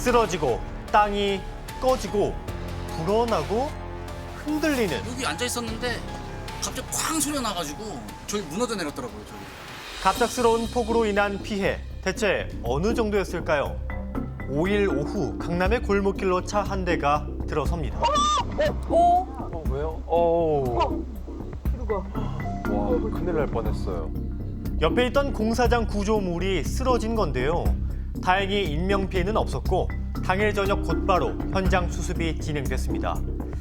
쓰러지고 땅이 꺼지고 불어나고 흔들리는 여기 앉아 있었는데 갑자기 쾅 소리가 나가지고 저기 무너져 내렸더라고요. 저기. 갑작스러운 폭우로 인한 피해 대체 어느 정도였을까요? 5일 오후 강남의 골목길로 차 한 대가 들어섭니다. 왜요? 와, 큰일 날 뻔했어요. 옆에 있던 공사장 구조물이 쓰러진 건데요. 다행히 인명피해는 없었고 당일 저녁 곧바로 현장 수습이 진행됐습니다.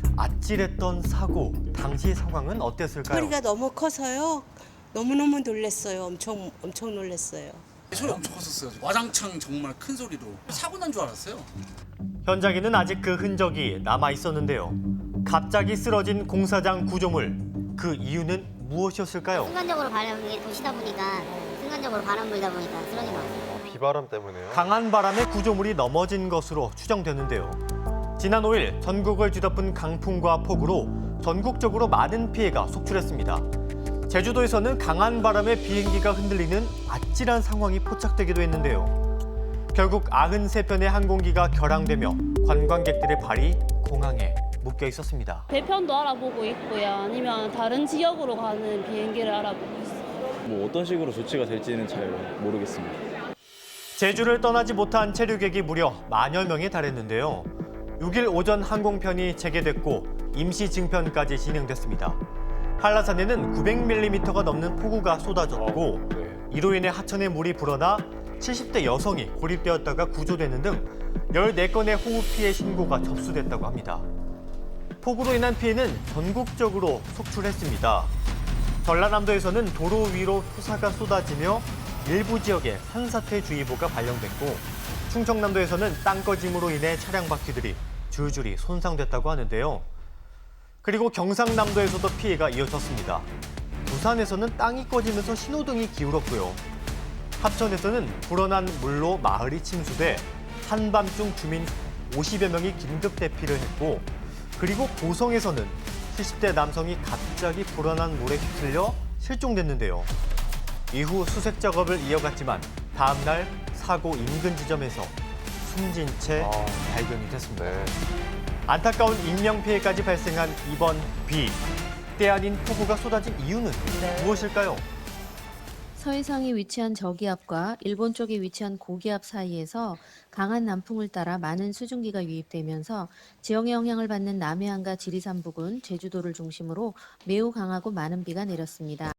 아찔했던 사고, 당시 상황은 어땠을까요? 소리가 너무 커서요. 너무너무 놀랐어요. 엄청 놀랐어요. 소리 엄청 컸었어요. 와장창 정말 큰 소리로. 사고 난 줄 알았어요. 현장에는 아직 그 흔적이 남아 있었는데요. 갑자기 쓰러진 공사장 구조물, 그 이유는 무엇이었을까요? 순간적으로 바람이 도시다 보니까 순간적으로 바람 불다 보니까 쓰러진 것 같아요. 비바람 때문에요? 강한 바람에 구조물이 넘어진 것으로 추정되는데요. 지난 5일 전국을 뒤덮은 강풍과 폭우로 전국적으로 많은 피해가 속출했습니다. 제주도에서는 강한 바람에 비행기가 흔들리는 아찔한 상황이 포착되기도 했는데요. 결국 93편의 항공기가 결항되며 관광객들의 발이 공항에 묶여 있었습니다. 배편도 알아보고 있고요. 아니면 다른 지역으로 가는 비행기를 알아보고 있어요. 뭐 어떤 식으로 조치가 될지는 잘 모르겠습니다. 제주를 떠나지 못한 체류객이 무려 만여 명에 달했는데요. 6일 오전 항공편이 재개됐고 임시 증편까지 진행됐습니다. 한라산에는 900mm가 넘는 폭우가 쏟아졌고 이로 인해 하천에 물이 불어나 70대 여성이 고립되었다가 구조되는 등 14건의 호우 피해 신고가 접수됐다고 합니다. 폭우로 인한 피해는 전국적으로 속출했습니다. 전라남도에서는 도로 위로 토사가 쏟아지며 일부 지역에 산사태주의보가 발령됐고 충청남도에서는 땅꺼짐으로 인해 차량 바퀴들이 줄줄이 손상됐다고 하는데요. 그리고 경상남도에서도 피해가 이어졌습니다. 부산에서는 땅이 꺼지면서 신호등이 기울었고요. 합천에서는 불어난 물로 마을이 침수돼 한밤중 주민 50여 명이 긴급 대피를 했고 그리고 고성에서는 70대 남성이 갑자기 불어난 물에 휩쓸려 실종됐는데요. 이후 수색 작업을 이어갔지만 다음 날 사고 인근 지점에서 숨진 채 발견이 됐습니다. 안타까운 인명피해까지 발생한 이번 비. 때 아닌 폭우가 쏟아진 이유는 무엇일까요? 서해상에 위치한 저기압과 일본 쪽에 위치한 고기압 사이에서 강한 남풍을 따라 많은 수증기가 유입되면서 지형에 영향을 받는 남해안과 지리산 부근, 제주도를 중심으로 매우 강하고 많은 비가 내렸습니다.